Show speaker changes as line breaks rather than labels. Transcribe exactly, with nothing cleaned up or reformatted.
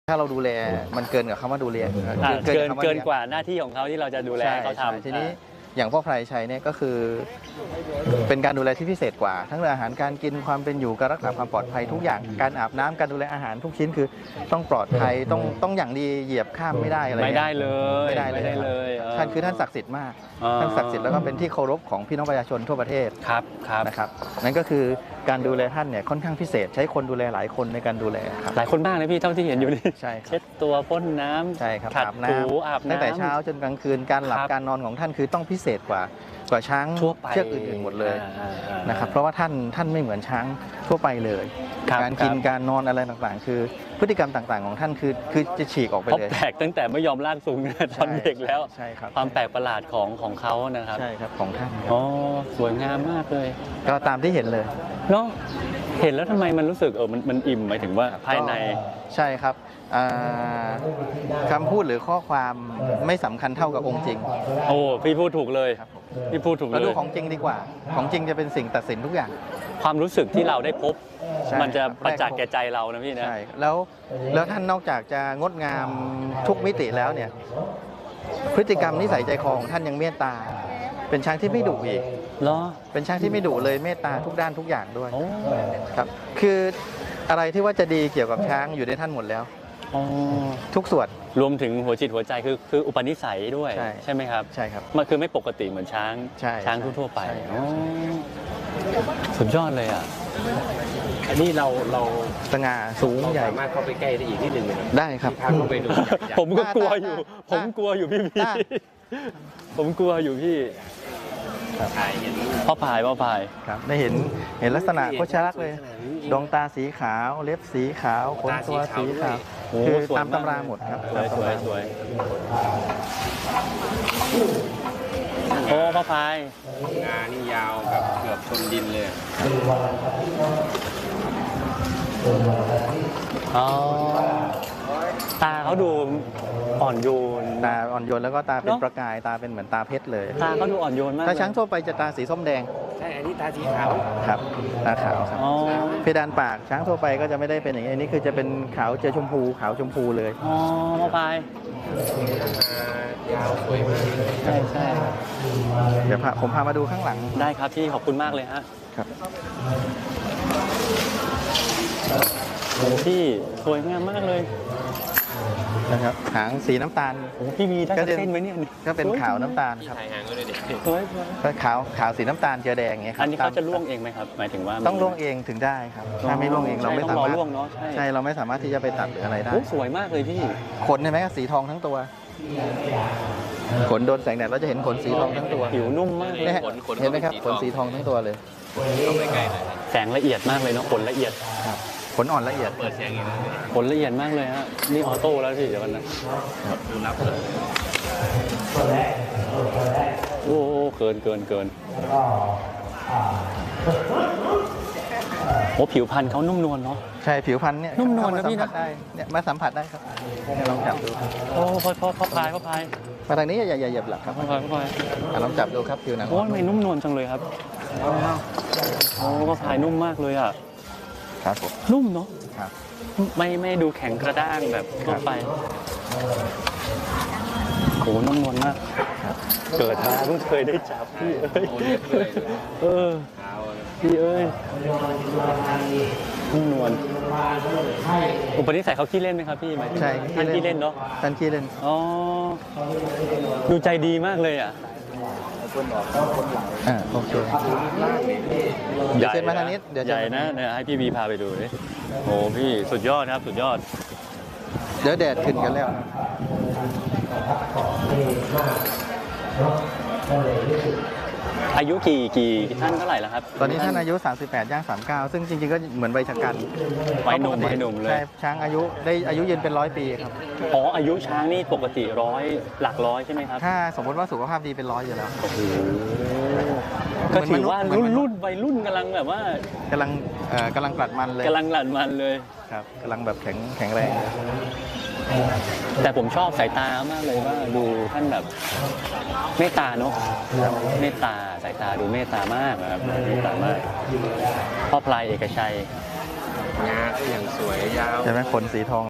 ถ้าเราดูแลมันเกินกับคำว่าดูแล
เกินเกินกว่าหน้าที่ของเขาที่เราจะดูแลเขาทำ
ทีนี้อย่างพ่อไพรชัยเนี่ยก็คือเป็นการดูแลที่พิเศษกว่าทั้งเรื่องอาหารการกินความเป็นอยู่การรักษาความปลอดภัยทุกอย่างการอาบน้ำการดูแลอาหารทุกชิ้นคือต้องปลอดภัยต้องต้องอย่างดีเหยียบข้ามไม่ได้อะไร
ไม่ได้เลย
ไม่ได้เลยเลยท่านคือท่านศักดิ์สิทธิ์มากท่านศักดิ์สิทธิ์แล้วก็เป็นที่เคารพของพี่น้องประชาชนทั่วประเทศ
ครับครับ
นะครับนั่นก็คือการดูแลท่านเนี่ยค่อนข้างพิเศษใช้คนดูแลหลายคนในการดูแลครับ
หลายคนมากเลยพี่เท่าที่เห็นอยู่นี่
ใช่
เช็ดตัวพ่นน้ำ
ใช่ครับ
ขัดถูอาบน้ำ
ตั้งแต่เช้าจนกลางคืนการหลับการนอนของท่านคือต้องพิเศษกว่ากว่าช้างเชือกอื่นๆหมดเลยนะครับเพราะว่าท่านท่านไม่เหมือนช้างทั่วไปเลยการกินการนอนอะไรต่างๆคือพฤติกรรมต่างๆของท่านคือคือจะฉีกออกไปเลย
แปลกตั้งแต่ไม่ยอมลากสูงตอนเด็กแล้ว
ใช่ครับ
ความแปลกประหลาดของของเขานะครับ
ใช่ครับของท่าน
อ๋อสวยงามมากเลย
ก็ตามที่เห็นเลย
เนาะเห็นแล้วทำไมมันรู้สึกเออมันมันอิ่มหมายถึงว่าภายใน
ใช่ครับคำพูดหรือข้อความไม่สำคัญเท่ากับองค์จริง
โอ้พี่พูดถูกเลยพี่พูดถูกเลย
เราดูของจริงดีกว่าของจริงจะเป็นสิ่งตัดสินทุกอย่าง
ความรู้สึกที่เราได้พบมันจะประจักษ์แก่ใจเรานะพี่นะ
ใช่แล้วแล้วท่านนอกจากจะงดงามทุกมิติแล้วเนี่ยพฤติกรรมนิสัยใจคอของท่านยังเมตตาเป็นช้างที่ไม่ดุอีก
เหรอ
เป็นช้างที่ไม่ดุเลยเมตตาทุกด้านทุกอย่างด้วยครับคืออะไรที่ว่าจะดีเกี่ยวกับช้างอยู่ในท่านหมดแล้วทุกส่วน
รวมถึงหัวจิตหัวใจคือคืออุปนิสัยด้วยใช่ไหมครับ
ใช่ครับ
มันคือไม่ปกติเหมือนช้างช้างทั่วไปสุดยอดเลยอ่ะ
อันนี้เราเรา
สง่าสูงใหญ่
สามารถเข้าไปใกล้ได้อีกนิดหนึ่ง
ได้ครับ
เข้าไปดู
ผมก็กลัวอยู่ผมกลัวอยู่พี่พี่ผมกลัวอยู่พี่พ่อพายพ่อพาย
ครับได้เห็นเห็นลักษณะโคชลักษณ์เลยดวงตาสีขาวเล็บสีขาวขนตัวสีขาวคือตามตำราหมดครับ
สวยสวยสวยโอ้พ่อพาย
งานี่ยาวแบบเกือบชนดินเลย
อ๋อตาเขาดูอ่อนโยน
ตาอ่อนโยนแล้วก็ตาเป็นประกายตาเป็นเหมือนตาเพชรเลย
ตาเขาดูอ่อนโยนมาก
ถ้าช้างทั่วไปจะตาสีส้มแดง
ใช่อันนี้ตาสีขาว
ครับตาขาวครับเพดานปากช้างทั่วไปก็จะไม่ได้เป็นอย่างนี้อันนี้คือจะเป็นขาวเจอชมพูขาวชมพูเลย
อ๋อพ่อพาย
ยาวสวยมาก
ใช่ใช่
เดี๋ยวผมพามาดูข้างหลัง
ได้ครับพี่ขอบคุณมากเลยฮะ
ครับ
พี่สวยงามมากเลย
นะครับหางสีน้ำตาล
โอ้พี่มีได้เส้นไหมเนี่ย
ก็เป็นขาวน้ำตาลครับ
ถ่ายหางก็เลยเด็ก
ก็ขาวขาวสีน้ำตาลเจือแดงอย่างเงี้ยครับ
อันนี้เขาจะล่วงเองไหมครับหมายถึงว่า
ต้องล่วงเองถึงได้ครับถ้าไม่ล่วงเองเราไม่สามารถ
ล่วงเนาะ
ใช่เราไม่สามารถที่จะไปตัดหรืออะไรได้
สวยมากเลยพี่
ขนเห็นไหมสีทองทั้งตัวขนโดนแสงแดดเราจะเห็นขนสีทองทั้งตัว
ผิวนุ่มมากเลย
เห็นไหมครับขนสีทองทั้งตัวเลย
แสงละเอียดมากเลยเนาะขนละเอียด
ขนอ่อนละเอียด
เปิดแสงอย่างนี้
ขนละเอียดมากเลยฮะนี่ออโต้แล้วพี่เดี๋ยวกันนะ
ดูนับเลย
โอ้เกินเกินเกินโอ้ผิวพรรณเขานุ่มนวลเนาะ
ใช่ผิวพรรณเนี่ย
นุ่มนวลนะพี่นะ
เนี่ยมาสัมผัสได้ครับลองจับดู
โอ้พ่อพ่อพ่อพายพ่อพาย
มาทางนี้อย่าอย่าเหยียบหลักครับ
พ่อพายพ่อพาย
ลองจับดูครับผิวหนัง
โอ้ไม่นุ่มนวลจังเลยครับโอ้พ่อพายนุ่มมากเลยอ่ะ
ครับผม
นุ่มเนาะไม่ไม่ดูแข็งกระด้างแบบทั่วไปโอ้นุ่มนวลมากเกิดมาเพิ่งเคยได้จับพี่เอ้ยเออพี่เอ้ยนุ่มนวลอุปนิสัยเขาขี้เล่นไหมครับพี่ไหม
ใช่
ท่านขี้เล่นเนาะ
ท่านขี้เล่น
อ๋อดูใจดีมากเลยอ่ะ
คนออกคนหลังอ่าโอเคเดี๋ยวเซ็นมาทางนี้เดี๋ยว
ใหญ่นะเนี่ยให้พี่บีพาไปดูดิโอ้พี่สุดยอดครับสุดยอด
เดี๋ยวแดดขึ้นกันแล้ว
อายุกี่กี่ท่านเท่าไหร่แล้วครับ
ตอนนี้ท่านอายุสามสิบแปดย่างสามสิบเก้าซึ่งจริงๆก็เหมือนใบชะกัน
วัยหนุ่มวัยหนุ่มเลย
ใช่ช้างอายุได้อายุยืนเป็นร้อยปีครับ
อ๋ออายุช้างนี่ปกติร้อยหลักร้อยใช่ไหมครับ
ถ้าสมมติว่าสุขภาพดีเป็นร้อยอยู่แล้ว
ก็ถือว่ารุ่นรุ่นวัยรุ่นกำลังแบบว่าก
ำลังกำลังกลัดมันเลย
กำลังกลัดมันเลย
ครับกำลังแบบแข็งแข็งแรง
แต่ผมชอบสายตามากเลยว่าดูท่านแบบเมตตาเนาะเมตตาสายตาดูเมตตามากนะครับเมตตามากพ่อพลายเอกชัย
งาก็อย่างสวยยาว
ใช่ไหมขนสีทอง